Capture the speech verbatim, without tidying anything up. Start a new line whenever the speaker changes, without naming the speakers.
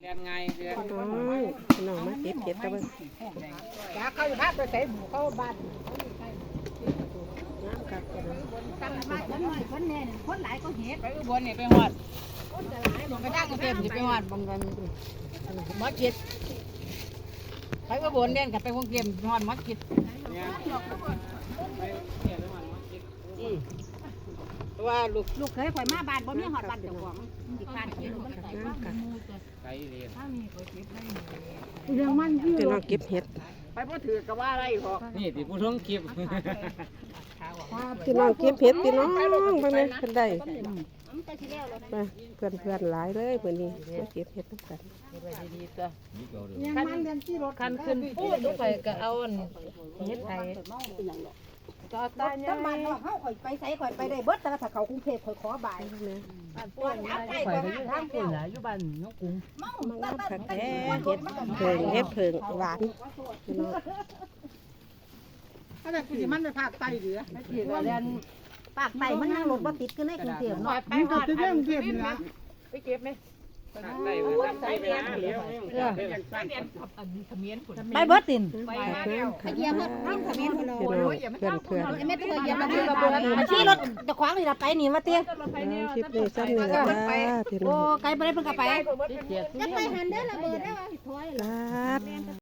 นไงเดือน
น้องน้องมาเก็บเห็ดตะเบิ่ง
จ้าเขาอยู่ภาคไปใส่หมูเข้าบ้าน
น้ำกัดกันเลย
ตั้งมาคนน้อยคนแน่คนหลายก็เห็ด
ไปอุบลนี่ไปหอดไปทางกรุงเทพนี่ไปหอดบางวันมอจิตไปอุบลเด่นกับไปกรุงเทพหอดมอจิตว่าลูก
ลูกเคยข่อยมาบ้านบ่มีหอดบ้านเจ้าของอีกบ้านเห็ดมัน
น้ำกัด
ไก่เรียน
เรื่องมันที่
พี่น้องเก็บเห็ด
ไปบ่ถือกับว่าอะไรหรอก
นี่ติผู้ท้องคลิป
พี่น้องเก็บเห็ดพี่น้องไปไหมเพิ่นได้
มันก็สิแล้วแล้ว
มาเพื่อนเพื่อนหลายเลยเพื่อนนี้มาเก็บเห็ดน้ำกัน
ดีๆจ้ะ
ยังมันเรียนที่รถ
คันขึ้นพูดทุกไปก็เอาเฮ็ดไทยก็ตา
ถ้าบ้านนอกเฮาข่อยไปไสข่อยไปได้เบิดแต่ถ้าเขากรุงเทพข่อยขอบ่าย
แม่
ปวดอับได้ข่อยอยู่ทางเดียว
อยู่บ้านน้องกุ้ง
มันน้ำผักแท้เห็ดเพิงเห็ดเพิงหวานพี่น้อง
ถ้าแต่สิมันไปภาคใต้เหลือ
ไม่ผิดว่าเรียน
ภาคใต้มันยังรถบ่ติดคือในกรุงเทพ
หน่อ
เนาะ
ยไปหอดเรื่องเก็บนะไปเก็บไหมได้ได้ไปนะเดี๋ยว
ไปเบิดติน
ไปน้ำผัก
เยี่ยมเพิ่นทำเขมิ้น
พี่น้องเพื่อนเพื่อน
ไม่เธอเยี่ยมมาที่ระเบิดมาที่รถจะขวางนี่ล่ะไปนี่มาเตี้ย
คลิปนี้ซ้ำนี่แหละพี่น้
โอ้
อง
ไกลบ่ได้เพิ่นก็ไป
เจ็ด
จะไปหันเด้อระเบิดได้ว่าถอย
ครับ